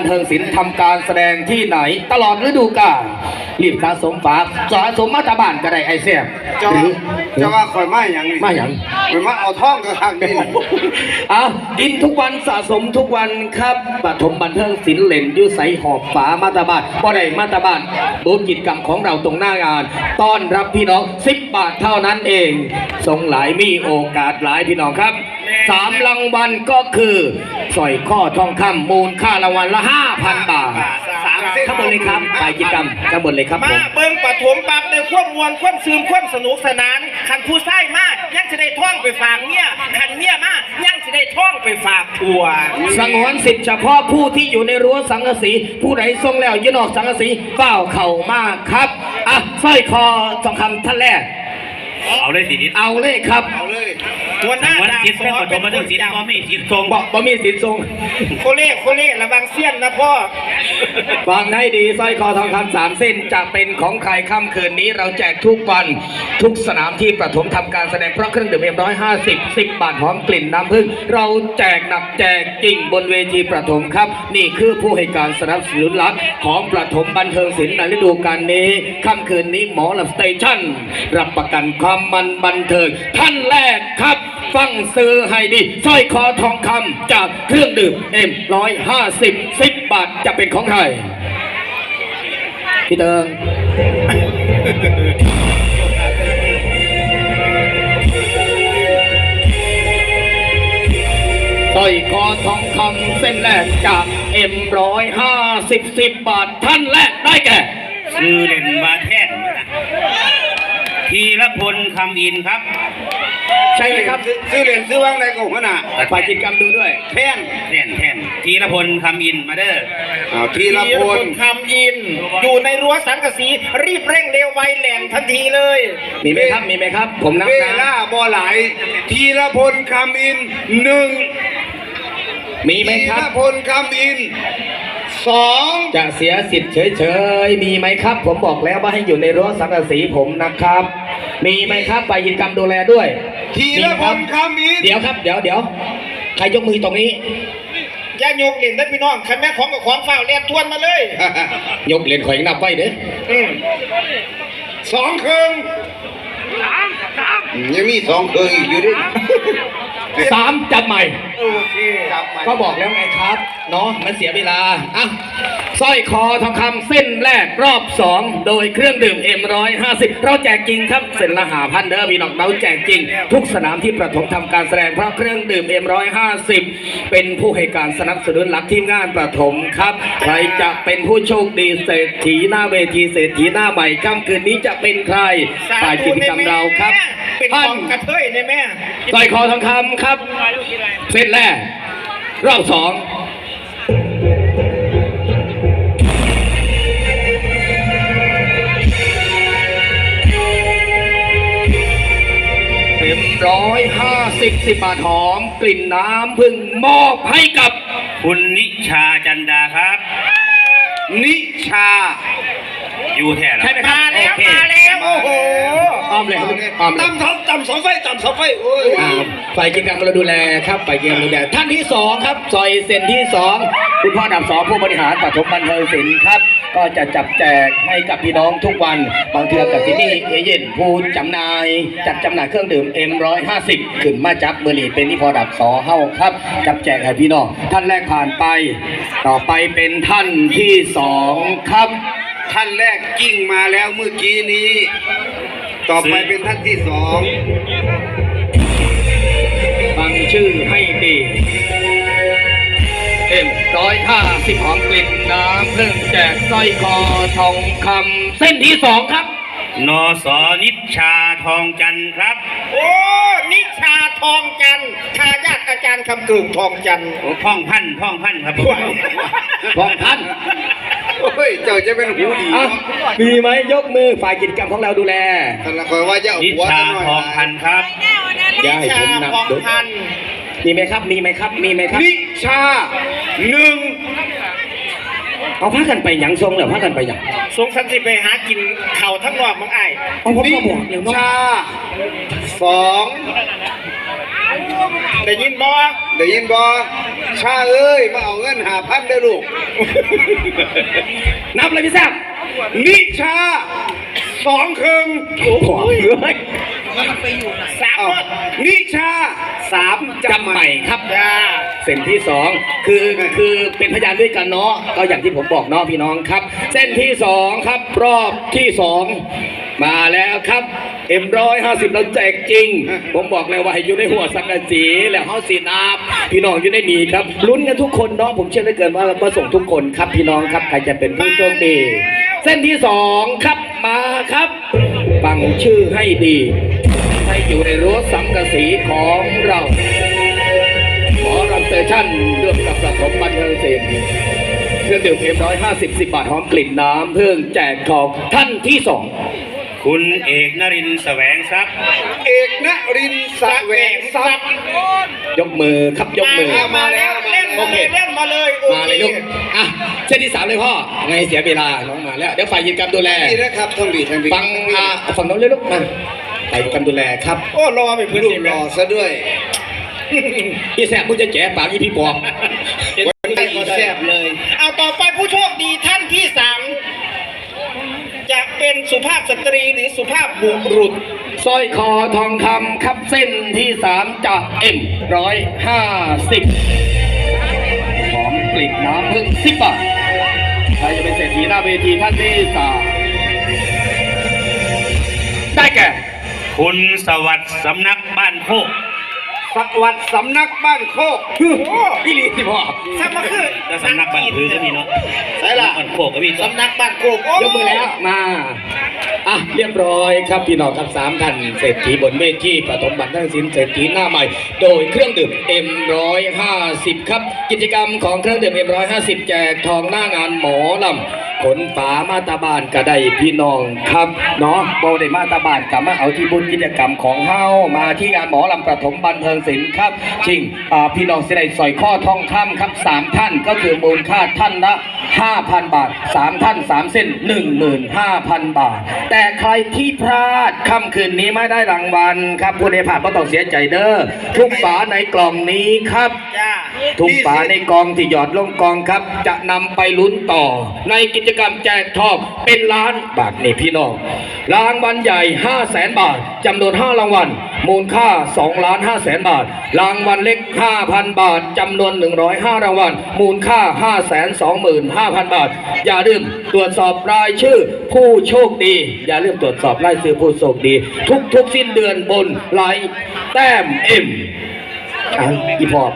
เทิงศิลป์ทำการแสดงที่ไหนตลอดฤดูกาลรีบสะสมฝากสะสมมาตาบ้านก็ได้ไอเสียจะว่าคอยมาอย่างนี้มาอย่างมาเอาท่องกับทางนี้เอากินทุกวันสะสมทุกวันครับปฐมบันเทิงศิลป์เล่นยุใสหอบฝามาตาบ้านบ่ได้มาตาบ้านบูธกิจกรรมของเราตรงหน้างานต้อนรับพี่น้อง10 บาทเท่านั้นเองทรงหลายมีโอกาสหลายพี่น้องครับ3 รางวัลก็คือสร้อยข้อทองคำมูลค่ารางวัลละ 5,000 บาทข้างบนเลยครับไปกิจกรรมข้างบนเลยครับมาเบิ้งปฐมบักในควบมวลควบซึมควบสนุกสนานขันผู้ไส้มากยังจะได้ท่องไปฝากเนี่ยขันเนี่ยมากยังจะได้ท่องไปฝากผัวสงวนสิทธิ์เฉพาะผู้ที่อยู่ในรั้วสังกะสีผู้ใดทรงแล้วยืนออกสังกะสีเฝ้าเข่ามากครับอ่ะสร้อยคอทองคำท่านแรกเอาเลยสิเอาเลยครับเอาเลยตัวหน้าวันสิทธิ์เป็นปฐมบันเทิงศิลป์ก็มีสิทธิ์ทรงบอกบ่มีสิทธิ์ทรงโคเล่ระวังเสี้ยนนะพ่อฟังให้ดีสร้อยคอทองคำ3 เส้นจะเป็นของใครค่ำคืนนี้เราแจกทุกวันทุกสนามที่ประถมทำการแสดงเพราะเครื่องดื่มM150 10 บาทหอมกลิ่นน้ำผึ้งเราแจกหนักแจกจริงบนเวทีประถมครับนี่คือผู้ให้การสนับสนุนหลักของประถมบันเทิงศิลป์ในฤดูกาลนี้ค่ำคืนนี้หมอลำสเตชันรับประกันความมันบันเทิงท่านแรกครับฟังซื้อให้ดีสร้อยคอทองคำจากเครื่องดื่มM150 10 บาทจะเป็นของใครพี่เติงสร้อยคอทองคำเส้นแรกจากM150 10 บาทท่านแรกได้แก่ชื่อเล่นมาแท่นธีรพลคำอินครับใช่ไหมครับซื้อเหรียญซื้อว่างในกลุ่มน่ะฝ่ายกิจกรรมดูด้วยแท่นธีรพลคำอินมาเด้อธีรพลคำอินอยู่ในรั้วสังกะสีรีบเร่งเร็วไวแหลมทันทีเลยมีไหมครับผมนับนะเวลาบ่หลายธีรพลคำอิน1 มีไหมครับธีรพลคำอิน2 จะเสียสิทธิ์เฉยๆมีไหมครับผมบอกแล้วว่าให้อยู่ในรั้วสังกะสีผมนะครับมีไหมครับฝ่ายกิจกรรมดูแลด้วยธีรพลคำอินเดี๋ยวครับเดี๋ยวใครยกมือตรงนี้ย่ายกเหรียญได้พี่น้องคันแม่ของกับของฝ้าเรียนทวนมาเลยยกเหรียญข่อยนับไว้เด้ 2 ครึ่งยังมี2 ครึ่งอีกอยู่ดิ 3จับใหม่โอเคจับใหม่ก็บอกแล้วไงครับเนาะมันเสียเวลาอ่ะสร้อยคอทองคำเส้นแรกรอบ2โดยเครื่องดื่มM150เราแจกจริงครับเส้นละ5,000เด้อพี่น้องเราแจกจริงทุกสนามที่ประถมทำการแสดงเพราะเครื่องดื่มM150เป็นผู้ให้การสนับสนุนหลักทีมงานประถมครับใครจะเป็นผู้โชคดีเศรษฐีหน้าเวทีเศรษฐีหน้าใหม่ค่ำคืนนี้จะเป็นใครฝ่ายกิจกรรมเราครับท่านกระเทยในแม่สร้อยคอทองคำครับเส้นแรกรอบ210 บาทหอมกลิ่นน้ำพึ่งมอบให้กับคุณนิชาจันดาครับนิชาอยู่แท้ใช่ไหมครับมาแล้วโอ้โหอ้อมเลยตำเสาไฟโอ้ยฝ่ายกิจกรรมเราดูแลครับฝ่ายกิจกรรมดูแลท่านที่2ครับซอยเส้นที่2คุณพ่อดับ2ผู้บริหารปฐมบันเทิงศิลป์ครับก็จะจับแจกให้กับพี่น้องทุกวันบางเทือกับที่นี่เอเย่นผู้จำหน่ายจัดจำหน่ายเครื่องดื่มM150ขึ้นมาจับมือนีเป็นที่พอดับ2เฮ้าครับจับแจกให้พี่น้องท่านแรกผ่านไปต่อไปเป็นท่านที่2ครับท่านแรกกิ้งมาแล้วเมื่อกี้นี้ต่อไปเป็นท่านที่2 ฟังชื่อให้ดีM150หอมกลิ่นน้ำเพิ่งแจกสร้อยคอทองคำเส้นที่2ครับนสนิชาทองจันทร์ครับโอ้นิชาทองจันทร์ทายาทอาจารย์คำกึ่งทองจันทร์พ่องพันครับพ่องพันเฮ้ยเจ้าจะเป็นหูดีมีไหมยกมือฝ่ายกิจกรรมของเราดูแลท่านละคอยว่าจะนิชาทองพันครับอย่าให้ผมนับดูมีไหมครับนิชา1 เอาพักกันไปหยังทรงเหรอพักกันไปหยังทรงสันติไปหากินเข่าทั้งรอบมังไอ้เอาผมก็บอกเดี๋ยวชา2 ได้ยินบ่ได้ยินบ่ชาเอ้ยมาเอาเงิน5,000ได้อลูกนับเลยพี่แซมนิชา2ครึ่งโอ้โหเฮ้ยสามอ้าวหมดนิชา3 จำใหม่ครับจ้าเส้นที่สองคือเป็นพยานด้วยกันเนาะก็อย่างที่ผมบอกเนาะพี่น้องครับ เส้นที่สองครับรอบที่สองมาแล้วครับM150เราแจกจริง ผมบอกเลยว่าให้อยู่ในหัวสังกะสีแล้วเฮาสีนาบพี่น้องอยู่ในนี้ครับลุ้นกันทุกคนเนาะผมเชื่อเหลือเกินว่าเราประสงค์ทุกคนครับพี่น้องครับใครจะเป็นผู้โชคดีเส้นที่สองครับมาครับฟังชื่อให้ดีให้อยู่ในรั้วสังกะสีของเราหมอรันเตชั่นเรื่องกับประถมบันเทิงศิลป์เครื่องดื่มM150 10 บาทหอมกลิ่นน้ำเพิ่งแจกทองท่านที่สองคุณเอกนรินทร์แสวงทรัพย์เอกนรินทร์แสวงทรัพย์ยกมือครับยกมือมาแล้วเล่นโอมาเคเลยเล่นมาเลยโอมาเคเลยลูกอ่ะเส้นที่สามเลยพ่อไงเสียเวลาน้องมาแล้วเดี๋ยวฝ่ายยินกรรมดูแลดีนะครับท่านบีท่านบีฟังฝั่งโน้นเลยลูกมาฝ่ายยินกรรมดูแลครับโอ้รอไปพื้นรูปที่หล่อซะด้วยพี่แสบมึงจะแจ๋ปากอีพี่ปอบวันนี้อีแซ่บเลยเอาต่อไปผู้โชคดีท่านที่สามจะเป็นสุภาพสตรีหรือสุภาพบุรุษสร้อยคอทองคำครับเส้นที่สามจากM150หอมกลิ่นน้ำพึ่ง10 บาทใครจะเป็นเศรษฐีหน้าเวทีท่านที่สามได้แก่คุณสวัสดิ์สำนักบ้านโคกสวัสดิ์สำนักบ้านโคกพี่ลีสิพ่อสักมาคือและสำนักบ้านพื้นก็มีเนาะใช่ล่ะบ้านโคกก็มีสำนักบ้านโคกโอ้ยกมือแล้วมาอ่ะเรียบร้อยครับพี่น้องครับ3 ท่านเศรษฐีบนเวทีปฐมบัณฑิตศิลป์เศรษฐีหน้าใหม่ โดยเครื่องดื่ม M150 ครับกิจกรรมของเครื่องดื่ม M150 แจกทองหน้างานหมอลำขนฝามาตาบานก็ได้พี่น้องครับเนาะโบได้มาตาบานกลับมาเอาที่บุญกิจกรรมของเฮามาที่งานหมอลำประถมบันเทิงศิลป์ครับจริงพี่น้องสิได้สอยข้อทองคำครับ3 ท่านก็คือมูลค่าท่านละ 5,000 บาท 3 ท่าน 3 เส้น 15,000 บาท แต่ใครที่พลาดค่ำคืนนี้ไม่ได้รางวัลครับผู้ใดผ่านก็ต้องเสียใจเด้อทุกฝาในกล่องนี้ครับจ้าทุกฝาในกองที่หยอดลงกองครับ จะนำไปลุ้นต่อ ในกิจกรรมแจกทองเป็นล้านบาทนี่พี่น้องรางวัลใหญ่ 500,000 บาทจำนวน5 รางวัลมูลค่า2,500,000 บาทรางวัลเล็ก 5,000 บาทจำนวน105 รางวัลมูลค่า 525,000 บาทอย่าลืมตรวจสอบรายชื่อผู้โชคดีอย่าลืมตรวจสอบรายชื่อผู้โชคดี ทุกสิ้นเดือนบนไลน์แต้มเอ็มอีพอ